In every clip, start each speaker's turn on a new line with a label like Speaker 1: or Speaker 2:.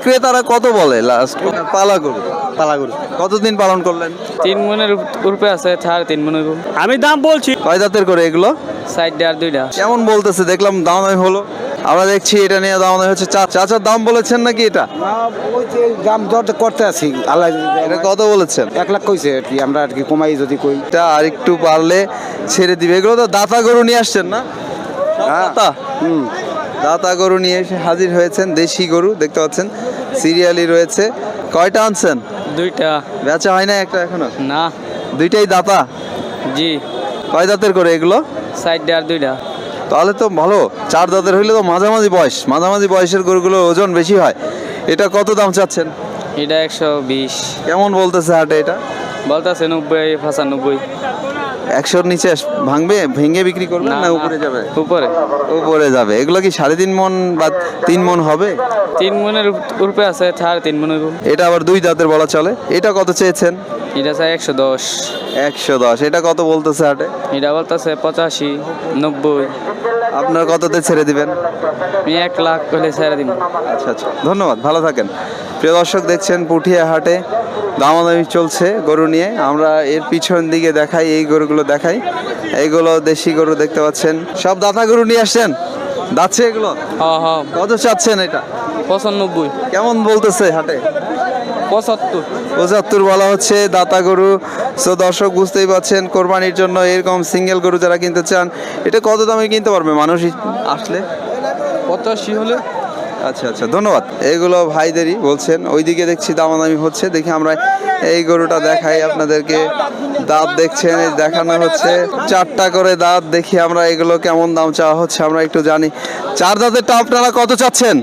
Speaker 1: ক্রেতারা কত বলে লাস্ট? পালা গরু।
Speaker 2: পালা গরু
Speaker 1: কতদিন পালন করলেন?
Speaker 3: 3 মনের উপরে আছে, 3.5 মনের উপর।
Speaker 2: আমি দাম বলছি
Speaker 1: কয় দাঁতের করে এগুলো?
Speaker 3: সাইড আর দুইটা।
Speaker 1: কেমন বলতেছে? দেখলাম দামাদামি হলো, আমরা দেখছি এটা নিয়ে দামাদামি হচ্ছে। চাচার দাম বলেছেন নাকি এটা?
Speaker 2: দাম দর করতে আছি আল্লাহ
Speaker 1: এটা কত বলেছেন?
Speaker 2: 1 লাখ কইছে আর কি, আমরা আর কি কমাই যদি কই।
Speaker 1: এটা আর একটু পারলে ছেড়ে দিবে। এগুলো তো দাতা গরু নিয়ে আসছেন না? সব দাতা? দাতা গরু নিয়ে এসে হাজির হয়েছেন। দেশি গরু দেখতে পাচ্ছেন, সিরিয়ালি রয়েছে। কয়টা আনছেন?
Speaker 3: দুইটা।
Speaker 1: বেচা হয় না একটা এখনো?
Speaker 3: না।
Speaker 1: দুইটাই দাতা?
Speaker 3: জি।
Speaker 1: কয় দাঁতের করে এগুলো?
Speaker 3: সাইড আর দুইটা।
Speaker 1: তাহলে তো ভালো। 4 দাঁতের হইলে তো মাঝামাঝি বয়স, মাঝামাঝি বয়সের গরুগুলোর ওজন বেশি হয়। এটা কত দাম চাচ্ছেন?
Speaker 3: এটা 120।
Speaker 1: কেমন বলতেছে হাটে এটা?
Speaker 3: বলতেছে 90, 95।
Speaker 1: 100-র নিচে ভাঙবে? ভেঙে বিক্রি করবেন না উপরে যাবে?
Speaker 3: উপরে।
Speaker 1: উপরে যাবে। এগুলো কি 3.5 মন বা 3 মন হবে?
Speaker 3: 3 মনের উপরে আছে, 3.5 মনের উপর।
Speaker 1: এটা আবার 2 দাঁতের বলা চলে। এটা কত চেয়েছেন?
Speaker 3: এটা চাই 110।
Speaker 1: 110। এটা কত বলতেছে হাটে?
Speaker 3: এটা বলতেছে 85, 90।
Speaker 1: আপনার কততে ছেড়ে দিবেন?
Speaker 3: আমি 1 লাখ হলে ছেড়ে দিব।
Speaker 1: আচ্ছা আচ্ছা, ধন্যবাদ, ভালো থাকেন। প্রিয় দর্শক, দেখছেন পুঠিয়া হাটে দামাদামি চলছে গরু নিয়ে। আমরা এর পিছন দিকে দেখাই, এই গরুগুলো দেখাই। এইগুলো দেশি গরু দেখতে পাচ্ছেন। সব দাতা গরু নিয়ে আসছেন? দাচ্ছে এগুলো?
Speaker 3: হ্যাঁ হ্যাঁ।
Speaker 1: কত চাচ্ছেন এটা?
Speaker 3: 95।
Speaker 1: কেমন বলতেছে হাটে?
Speaker 3: 75।
Speaker 1: 75 বলা হচ্ছে দাতা গরু। সো দর্শক, বুঝতেই পাচ্ছেন, কোরবানির জন্য এরকম সিঙ্গেল গরু যারা কিনতে চান, এটা কত দামে কিনতে পারবে মানুষ আসলে?
Speaker 3: 85 হলে।
Speaker 1: আচ্ছা আচ্ছা, ধন্যবাদ। এইগুলো ভাইদেরই বলছেন। ওইদিকে দেখছি দামাদামি হচ্ছে, দেখি আমরা এই গরুটা দেখাই আপনাদেরকে। দাঁত দেখছেন, এই দেখানো হচ্ছে 4টা করে দাঁত। দেখি আমরা এগুলো কেমন দাম চাওয়া হচ্ছে, আমরা একটু জানি। 4 দাঁতেরটা আপনারা কত চাচ্ছেন?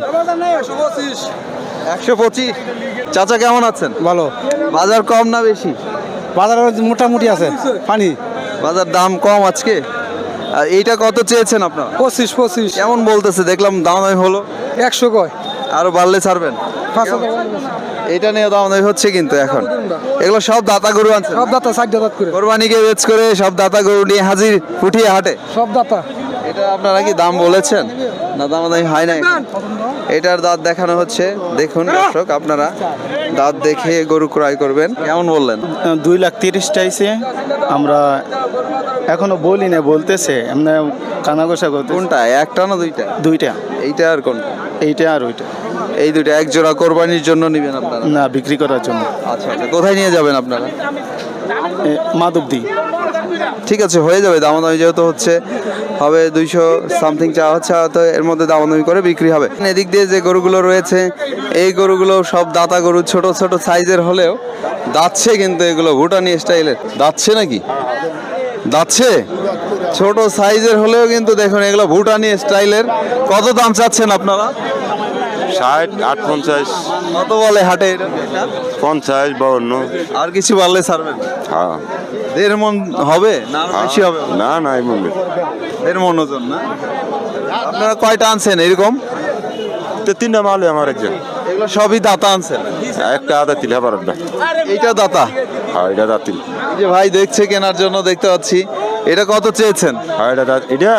Speaker 1: 125। চাচা কেমন আছেন?
Speaker 2: ভালো।
Speaker 1: বাজার কম না বেশি?
Speaker 2: বাজার মোটামুটি আছে, পানি।
Speaker 1: বাজার দাম কম আজকে। আর এইটা কত চেয়েছেন আপনারা?
Speaker 2: 25।
Speaker 1: কেমন বলতেছে? দেখলাম দামাদামি হলো।
Speaker 2: 100 কয়।
Speaker 1: আরো বাড়লে ছাড়বেন? এটা নিয়ে দামাদামি হচ্ছে কিন্তু এখন। এগুলো সব দাতা গরু আনছেন?
Speaker 2: সব দাতা 60 দাঁত করে।
Speaker 1: কোরবানিকে বেচ করে সব দাতা গরু নিয়ে হাজির পুঠিয়া হাটে।
Speaker 2: সব দাতা।
Speaker 1: এটা আপনারা কি দাম বলেছেন না দামাদামি হয় না? এটার দাঁত দেখানো হচ্ছে, দেখুন দর্শক, আপনারা দাঁত দেখে গরু ক্রয় করবেন। কেমন বললেন?
Speaker 4: 2,30,000 চাইছে। আমরা এখনো বলি না, বলতেছে এমনি কানাঘোষা করতে।
Speaker 1: কোনটা, একটা না দুইটা?
Speaker 4: দুইটা,
Speaker 1: এইটা আর কোনটা?
Speaker 4: এইটা আর ওইটা।
Speaker 1: এই দুইটা এক জোড়া কোরবানির জন্য নেবেন আপনারা?
Speaker 4: না, বিক্রি করার জন্য।
Speaker 1: আচ্ছা আচ্ছা, কোথায় নিয়ে যাবেন আপনারা?
Speaker 4: মাধবদী।
Speaker 1: ঠিক আছে, হয়ে যাবে। দামাদামি যেহেতু হচ্ছে, হবে 200 সামথিং চাওয়া হচ্ছে, হয়তো এর মধ্যে দামাদামি করে বিক্রি হবে। এদিক দিয়ে যে গরুগুলো রয়েছে, এই গরুগুলো সব দাতা গরু, ছোট ছোট সাইজের হলেও দাচ্ছে কিন্তু। এগুলো ভুটানি স্টাইলের দাচ্ছে নাকি? দাচ্ছে ছোট সাইজের হলেও কিন্তু দেখুন এগুলো ভুটানি স্টাইলের। কত দাম চাচ্ছেন আপনারা?
Speaker 5: 60, 58,
Speaker 1: কত বলে হাটে এটা?
Speaker 5: 50, 52।
Speaker 1: আর কিছু বাড়লে ছাড়বেন?
Speaker 5: হ্যাঁ
Speaker 1: 1.5 মন হবে না আরো বেশি হবে?
Speaker 5: না না, এই মূল্যে
Speaker 1: 1.5 মন ওজন না? আপনারা কয়টা আনছেন এরকম?
Speaker 5: তো 3টা মালে আমার একজন।
Speaker 1: এগুলো সবই দাতা আনছেন?
Speaker 5: একটা আদা তিল হাবার একটা।
Speaker 1: এইটা দাতা?
Speaker 5: হ্যাঁ, এটা দাঁতিল।
Speaker 1: এই যে ভাই দেখছে কেনার জন্য, দেখতে পাচ্ছি। এটা কত চেয়েছেন?
Speaker 5: হ্যাঁ, এটা এটা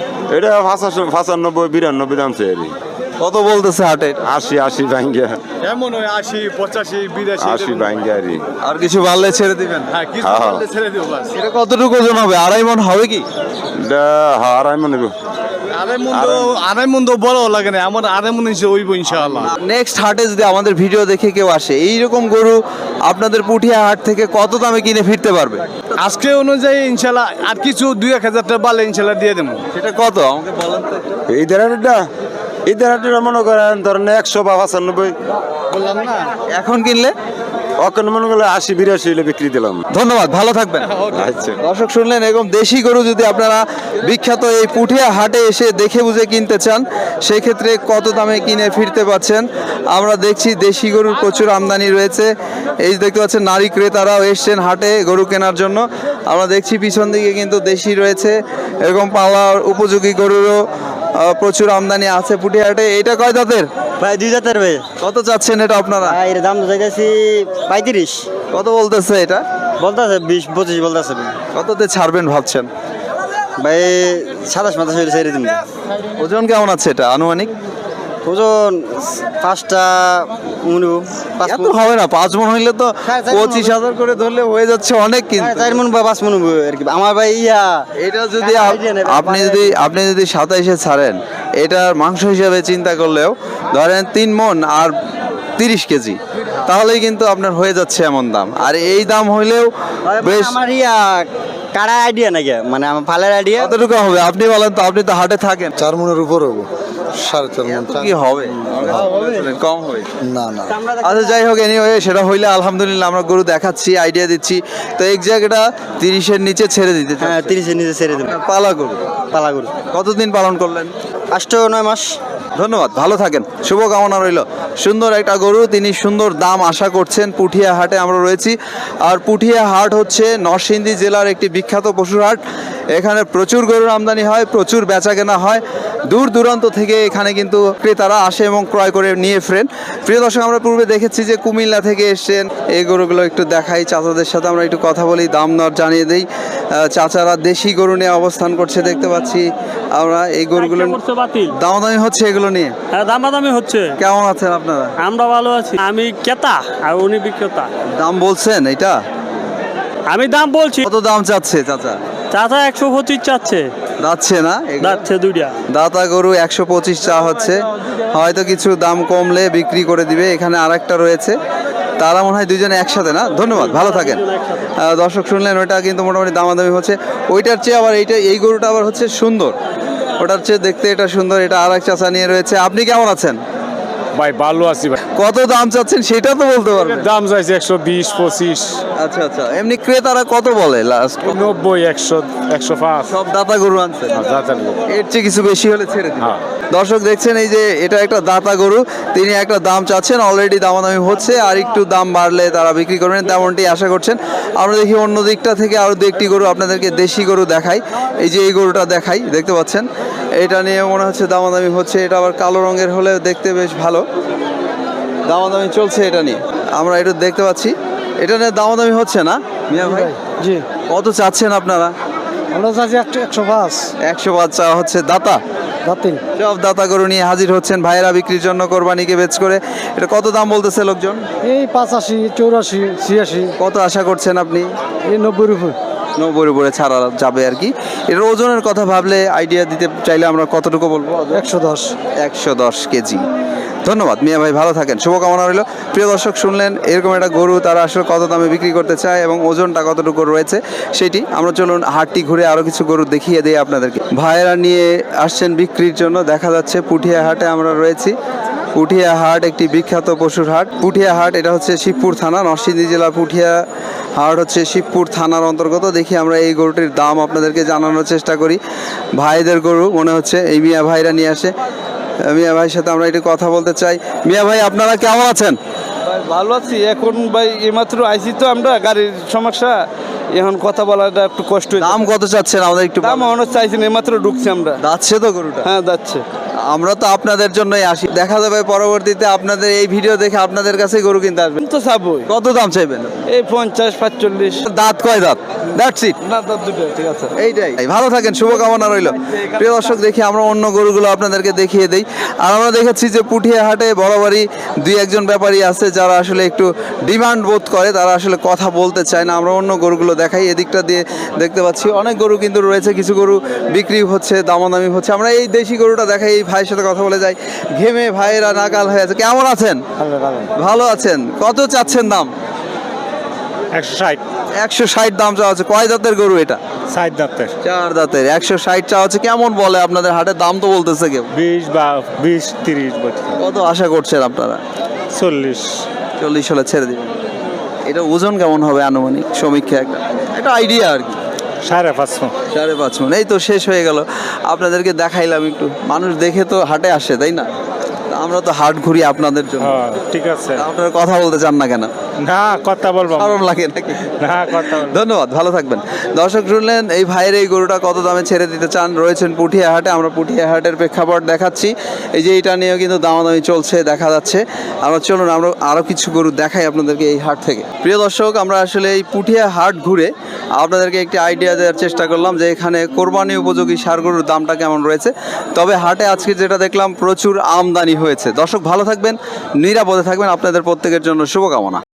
Speaker 5: 95, 92 দাম চেয়ে।
Speaker 1: কত বলতেছে হাটে?
Speaker 5: 80 ভাঙ্গিয়া।
Speaker 6: এমন হয় 80, 85, 82।
Speaker 5: 80 ভাঙ্গিয়া রি।
Speaker 1: আর কিছু বাড়লে ছেড়ে দিবেন?
Speaker 6: হ্যাঁ, কিছু
Speaker 5: হ্যাঁ।
Speaker 6: বললে ছেড়ে দিও বাস।
Speaker 1: এটা কতটুকু ওজন হবে? 2.5 মন হবে কি?
Speaker 5: এটা হ্যাঁ, 2.5 মন নেব।
Speaker 6: আড়াই মন তো বড় লাগে না, আমার 2.5 মন হিসেবে হইব ইনশাআল্লাহ।
Speaker 1: নেক্সট হাটে যদি আমাদের ভিডিও দেখে কেউ আসে, এইরকম গরু আপনাদের পুঠিয়া হাট থেকে কত দামে কিনে ফিরতে পারবে?
Speaker 6: আজকে অনুযায়ী ইনশাআল্লাহ আর কিছু 2-1000 টাকা বাড়লে ইনশাআল্লাহ দিয়ে দেবো।
Speaker 1: সেটা কত আমাকে বলেন তো একটু।
Speaker 5: এই দেড়াটা মনে করেন ধরেন 100 বা 95।
Speaker 6: বললাম না।
Speaker 1: এখন কিনলে?
Speaker 5: অখন মনে করলে 80-82 হলে বিক্রি দিলাম।
Speaker 1: ধন্যবাদ, ভালো থাকবেন।
Speaker 5: আচ্ছা।
Speaker 1: দর্শক শুনলেন, এরকম দেশি গরু যদি আপনারা বিখ্যাত এই পুঠিয়া হাটে এসে দেখে বুঝে কিনতে চান, সেই ক্ষেত্রে কত দামে কিনে ফিরতে পাচ্ছেন। আমরা দেখছি দেশি গরুর প্রচুর আমদানি রয়েছে। এই যে দেখতে পাচ্ছেন, নারী ক্রেতারাও এসছেন হাটে গরু কেনার জন্য। আমরা দেখছি পিছন দিকে কিন্তু দেশি রয়েছে, এরকম পালার উপযোগী গরুরও প্রচুর আমদানি আছে পুঠিয়া হাটে। এটা কয় দাঁতের?
Speaker 2: ভাই 2 দাঁতের ভাই।
Speaker 1: কত চাচ্ছেন এটা আপনারা?
Speaker 2: ভাই এর দাম তো চাইতেছি 35।
Speaker 1: কত বলতেছে এটা?
Speaker 2: বলতাছে 20-25 বলতাছে।
Speaker 1: কততে ছাড়বেন ভাবছেন?
Speaker 2: ভাই 27-28 হইলে ছেড়ে দিন।
Speaker 1: ওজন কেমন আছে এটা আনুমানিক?
Speaker 2: ওজন 5টা মনু
Speaker 1: এত হবে না, 5 মন হইলে তো
Speaker 2: হ্যাঁ,
Speaker 1: 25,000 করে ধরলে হয়ে যাচ্ছে অনেক, কিন্তু
Speaker 2: 4 মন বা 5 মন আর কি আমার ভাই
Speaker 1: এটা যদি
Speaker 2: হ্যাঁ, idea নেই,
Speaker 1: আপনি যদি 27-এ ছাড়েন, এটার মাংস হিসাবে চিন্তা করলেও ধরেন 3 মন আর 30 কেজি, তাহলেই কিন্তু আপনার হয়ে যাচ্ছে এমন দাম। আর এই দাম হইলেও বেশ
Speaker 2: আমার কাড়া আইডিয়া নাকি মানে আমার ফালের আইডিয়া
Speaker 1: কতটুকু হবে আপনি বলেন তো, আপনি তো হাটে থাকেন।
Speaker 5: 4 মনের উপর হবো, 4.5 মন।
Speaker 1: এত কি হবে? কম হবে
Speaker 5: না না,
Speaker 1: আচ্ছা, যাই হোক, এনিওয়ে সেটা হইলে আলহামদুলিল্লাহ, আমরা গরু দেখাচ্ছি, আইডিয়া দিচ্ছি। তো এক জায়গাটা 30-এর নিচে ছেড়ে দিতে চাচ্ছেন।
Speaker 2: হ্যাঁ 30 এর নিচে ছেড়ে দেব
Speaker 1: পালা গরু
Speaker 2: পালা গরু
Speaker 1: কতদিন পালন করলেন?
Speaker 2: 8-9 মাস।
Speaker 1: ধন্যবাদ, ভালো থাকেন, শুভকামনা রইল। সুন্দর একটা গরু, তিনি সুন্দর দাম আশা করছেন। পুঠিয়া হাটে আমরা রয়েছি, আর পুঠিয়া হাট হচ্ছে নরসিংদী জেলার একটি বিখ্যাত পশুর হাট। এখানে প্রচুর গরুর আমদানি হয়, প্রচুর বেচা কেনা হয়। দূর দূরান্ত থেকে এখানে কিন্তু ক্রেতারা আসে এবং ক্রয় করে নিয়ে ফেরেন। প্রিয় দর্শক, আমরা পূর্বে দেখেছি যে কুমিল্লা থেকে এসছেন। এই গরুগুলো একটু দেখাই, চাচাদের সাথে আমরা একটু কথা বলি, দাম দর জানিয়ে দিই। চাচারা দেশি গরু নিয়ে অবস্থান করছে দেখতে পাচ্ছি আমরা। এই গরুগুলো দামাদামি হচ্ছে এগুলো নিয়ে,
Speaker 7: হ্যাঁ দামাদামি হচ্ছে।
Speaker 1: কেমন আছেন আপনারা?
Speaker 7: আমরা ভালো আছি। আমি ক্রেতা আর উনি বিক্রেতা।
Speaker 1: দাম বলছেন এটা?
Speaker 7: আমি দাম বলছি।
Speaker 1: কত দাম চাচ্ছে চাচা?
Speaker 7: চাচা 125 চাচ্ছে।
Speaker 1: যাচ্ছে না এগুলো?
Speaker 7: যাচ্ছে দুইটা।
Speaker 1: দাতা গরু 125 চা হচ্ছে, হয়তো কিছু দাম কমলে বিক্রি করে দিবে। এখানে আরেকটা রয়েছে, তারা মনে হয় দুজনে একসাথে না? ধন্যবাদ, ভালো থাকেন। দর্শক শুনলেন, ওইটা কিন্তু মোটামুটি দামাদামি হচ্ছে। ওইটার চেয়ে আবার এই গরুটা আবার হচ্ছে সুন্দর, ওটার চেয়ে দেখতে এটা সুন্দর। এটা আর এক চাচা নিয়ে রয়েছে। আপনি কেমন আছেন
Speaker 6: ভাই? ভালো আছি ভাই।
Speaker 1: কত দাম চাচ্ছেন সেটা তো বলতে পারবেন?
Speaker 6: দাম চাইছে 120, 25,
Speaker 1: আচ্ছা আচ্ছা, এমনি ক্রেতারা কত বলে লাস্ট?
Speaker 6: 90, 100, 105।
Speaker 1: সব দাতা গরু আনছেন,
Speaker 6: যাচার
Speaker 1: এর চেয়ে কিছু বেশি হলে ছেড়ে দিন।
Speaker 6: হ্যাঁ।
Speaker 1: দর্শক দেখছেন, এই যে এটা একটা দাতা গরু, তিনি একটা দাম চাচ্ছেন, অলরেডি দামাদামি হচ্ছে, আর একটু দাম বাড়লে তারা বিক্রি করবেন তেমনটি আশা করছেন। আমরা দেখি অন্য দিকটা থেকে আরও দু একটি গরু আপনাদেরকে দেশি গরু দেখাই। এই যে এই গরুটা দেখাই, দেখতে পাচ্ছেন, এটা নিয়ে মনে হচ্ছে দামাদামি হচ্ছে। এটা আবার কালো রঙের হলে দেখতে বেশ ভালো, দামাদামি চলছে এটা নিয়ে। আমরা একটু দেখতে পাচ্ছি, এটা নিয়ে দামাদামি হচ্ছে না মিয়া ভাই?
Speaker 2: জি
Speaker 1: কত চাচ্ছেন আপনারা?
Speaker 2: আমরা চাচ্ছি 105
Speaker 1: 105 চা হচ্ছে। দাতা
Speaker 2: দাতিন
Speaker 1: সব দাতা গরু নিয়ে হাজির হচ্ছেন ভাইয়েরা বিক্রির জন্য, কোরবানিকে বেচ করে। এটা কত দাম বলতেছে লোকজন?
Speaker 2: এই 85, 84, 86,
Speaker 1: কত আশা করছেন আপনি?
Speaker 2: এই 90 উপর।
Speaker 1: 90-এর উপরে ছাড়া যাবে আর কি। এর ওজনের কথা ভাবলে আইডিয়া দিতে চাইলে আমরা কতটুকু বলবো?
Speaker 2: 110।
Speaker 1: 110 কেজি। ধন্যবাদ মিয়া ভাই, ভালো থাকেন, শুভকামনা রইল। প্রিয় দর্শক শুনলেন, এরকম একটা গরু তারা আসলে কত দামে বিক্রি করতে চায় এবং ওজনটা কতটুকু রয়েছে সেটি। আমরা চলুন হাটটি ঘুরে আরও কিছু গরু দেখিয়ে দিই আপনাদেরকে। ভাইয়েরা নিয়ে আসছেন বিক্রির জন্য, দেখা যাচ্ছে পুঠিয়া হাটে আমরা রয়েছি। পুঠিয়া হাট একটি বিখ্যাত পশুর হাট। পুঠিয়া হাট এটা হচ্ছে শিবপুর থানা, নরসিংদী জেলা। পুঠিয়া হাট হচ্ছে শিবপুর থানার অন্তর্গত। দেখি আমরা এই গরুটির দাম আপনাদেরকে জানানোর চেষ্টা করি। ভাইদের গরু মনে হচ্ছে, এই মিয়া ভাইরা নিয়ে আসে। মিয়া ভাইয়ের সাথে আমরা একটু কথা বলতে চাই। মিয়া ভাই, আপনারা কেমন আছেন?
Speaker 8: ভালো আছি। এখন ভাই এইমাত্র আইছি তো, আমরা গাড়ির সমস্যা, এখন কথা বলাটা একটু কষ্ট হয়েছে।
Speaker 1: দাম কত চাচ্ছেন আমাদের একটু
Speaker 8: দাম মনে চাইছি না, এইমাত্র ঢুকছি আমরা।
Speaker 1: যাচ্ছে তো গরুটা?
Speaker 8: হ্যাঁ যাচ্ছে।
Speaker 1: আমরা তো আপনাদের জন্যই আসি, দেখা যাবে পরবর্তীতে আপনাদের এই ভিডিও দেখে আপনাদের কাছে গরু কিনতে আসবেন।
Speaker 8: তো চাবই।
Speaker 1: কত দাম চাইবেন?
Speaker 8: এই 50, 45।
Speaker 1: দাঁত কয় দাঁত? That's it.
Speaker 8: না দাম দুটো, ঠিক আছে।
Speaker 1: এইটাই। ভালো থাকেন, শুভকামনা রইল। প্রিয় দর্শক, দেখি আমরা অন্য গরুগুলো আপনাদেরকে দেখিয়ে দেই। আর আমরা দেখেছি যে পুঠিয়া হাটে বরাবরই দুই একজন ব্যাপারী আছে যারা আসলে একটু ডিমান্ড বোধ করে, তারা আসলে কথা বলতে চায় না। আমরা অন্য গরুগুলো দেখাই। এদিকটা দিয়ে দেখতে পাচ্ছি অনেক গরু কিন্তু রয়েছে, কিছু গরু বিক্রি হচ্ছে, দামাদামি হচ্ছে। আমরা এই দেশি গরুটা দেখাই, এই ভাইয়ের সাথে কথা বলে যাই। ঘেমে ভাইয়েরা নাকাল হয়ে আছে। কেমন আছেন? ভালো আছেন। কত চাচ্ছেন দাম?
Speaker 6: 160,
Speaker 1: 160 দাম চাওয়া হচ্ছে। কয় দাঁতের গরু এটা?
Speaker 6: 60 দাঁতের।
Speaker 1: 4 দাঁতের। 160 চাওয়া হচ্ছে। কেমন বলে আপনাদের হাটের দাম তো বলতেছে কেউ?
Speaker 6: 20 বা 20, 30 বছর।
Speaker 1: কত আশা করছেন আপনারা?
Speaker 6: 40।
Speaker 1: 40 হলে ছেড়ে দিবেন। এটা ওজন কেমন হবে আনুমানিক সমীক্ষা? একটা আইডিয়া আর কি।
Speaker 6: 5.5
Speaker 1: 5.5 মণ। এই তো শেষ হয়ে গেল, আপনাদেরকে দেখাইলাম একটু। মানুষ দেখে তো হাটে আসে, তাই না? আমরা তো হাট ঘুরি আপনাদের জন্য।
Speaker 6: হ্যাঁ ঠিক আছে।
Speaker 1: আপনারা কথা বলতে চান না কেন?
Speaker 6: না কথা বলবো।
Speaker 1: আরাম লাগে নাকি?
Speaker 6: না কথা বলবো।
Speaker 1: ধন্যবাদ, ভালো থাকবেন। দর্শক শুনলেন, এই ভাইয়ের এই গরুটা কত দামে ছেড়ে দিতে চান। রয়েছেন পুঠিয়া হাটে, আমরা পুঠিয়া হাটের প্রেক্ষাপট দেখাচ্ছি। এই যে এটা নিয়েও কিন্তু দামাদামি চলছে দেখা যাচ্ছে। আমরা চলুন আমরা আরও কিছু গরু দেখাই আপনাদেরকে এই হাট থেকে। প্রিয় দর্শক, আমরা আসলে এই পুঠিয়া হাট ঘুরে আপনাদেরকে একটি আইডিয়া দেওয়ার চেষ্টা করলাম যে এখানে কোরবানি উপযোগী ষাঁড় গরুর দামটা কেমন রয়েছে। তবে হাটে আজকে যেটা দেখলাম, প্রচুর আমদানি হয়েছে। হয়েছে। দর্শক ভালো থাকবেন, নিরাপদে থাকবেন, আপনাদের প্রত্যেকের জন্য শুভকামনা।